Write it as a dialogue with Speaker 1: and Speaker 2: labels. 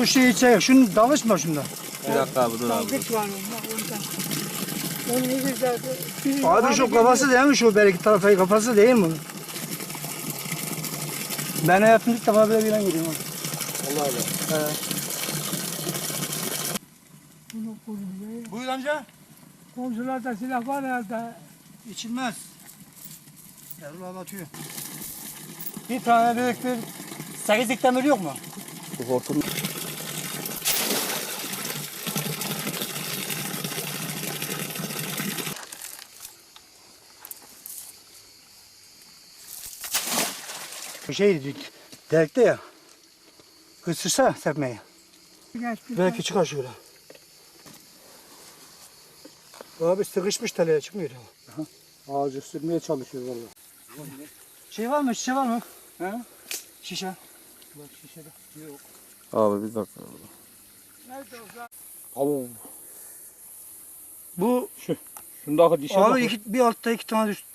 Speaker 1: Bu şeyi çek. Şunu dalışma şunda.
Speaker 2: Bir dakika abi dur abi.
Speaker 3: Dalgıç var ondan. Onu iyice zaten.
Speaker 1: Abi şu kafası değil mi şu belki tarafa kafası değil mi? Ben hayatımda ilk defa böyle bir ilan görüyorum.
Speaker 2: Allah Allah.
Speaker 3: Bunu koruyor.
Speaker 1: Buyur amca.
Speaker 3: Komşularda silah var herhalde.
Speaker 1: İçilmez. Erol abi atıyor. Bir tane büyük bir 8'lik demir yok mu?
Speaker 2: Bu hortum.
Speaker 1: Bu şey delikte ya. Kısırsa serpmeyi. Belki çıkar şöyle. Abi sıkışmış teleye çıkmıyor.
Speaker 2: Ağacı sürmeye çalışıyor vallahi.
Speaker 1: Şey var mı? Şişe var mı? He? Şişe. Bak şişede. Yok.
Speaker 2: Abi bir dakika.
Speaker 3: Nerede
Speaker 2: Abi
Speaker 1: Bu
Speaker 2: şundaki dişe
Speaker 1: abi bir altta 2 tane